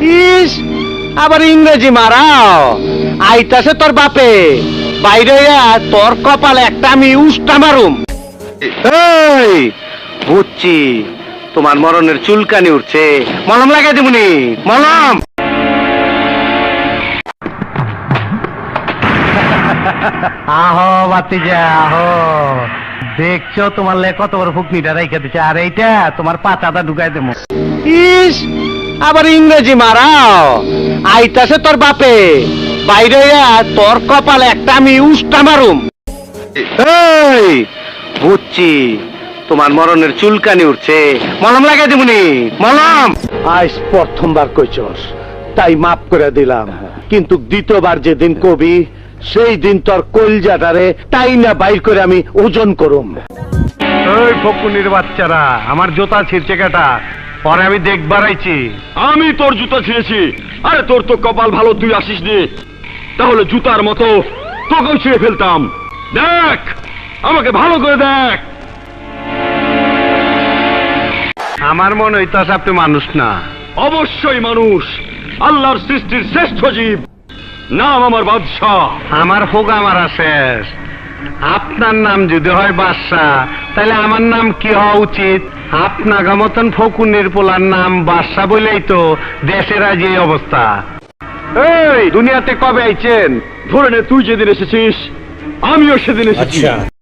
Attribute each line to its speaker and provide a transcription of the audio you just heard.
Speaker 1: ইস, আবার ইংরেজি মারাও। আইতাছে তোর বাপে, বাইরে তোর কপালে একটা আমি উষ্টা মারুম। এই বুঝছি, তোমার মরণের চুলকানি উঠছে, মলম লাগাই দেবনি, মলম। আহো বাতিজা আহো, দেখছো তোমার লে কত বড় ফুকনিটা রাইখা দিচ্ছে, আর এইটা তোমার পাতাটা ঢুকাই দেবো। ইস, আবার ইংরেজি মারাও। আইতাছে তোর বাপে, বাইরে তোর কপালে একটা আমি উষ্টা মারুম। এই বুঝছি, তোমার মরণের চুলকানি উঠছে, মলম লাগাই দেবনি, মলম। আজ প্রথমবার কইছস, তাই মাফ করে দিলাম, কিন্তু দ্বিতীয়বার যেদিন কবি, সেই দিন তোর কলজাটারে তাই না বাইর করে আমি ওজন করুম। ওই ফকুনির বাচ্চারা, আমার জুতা ছিঁড়ছে কাটা, পরে আমি দেখবার আইছি।
Speaker 2: আমি তোর জুতা ছিঁড়েছি? আরে তোর তো কপাল ভালো, তুই আসিস নি, তাহলে জুতার মতো তোকেও ছিঁড়ে ফেলতাম। দেখ, আমাকে ভালো করে দেখ।
Speaker 1: আমার মনে হইতাছে আপনি মানুষ না।
Speaker 2: অবশ্যই মানুষ, আল্লাহর সৃষ্টির শ্রেষ্ঠ জীব, নাম আমার বাদশাহ।
Speaker 1: আমার হোগা মারা শেষ। আপনার নাম যদি হয় বাদশাহ, তাহলে আমার নাম কি হওয়া উচিত? আপনার মতন ফকুনের পোলার নাম বাদশাহ বলেই তো দেশের আজ এই অবস্থা। এই দুনিয়াতে কবে আইছেন?
Speaker 2: ধরে নে, তুই যেদিন এসেছিস আমিও সেদিন এসেছি।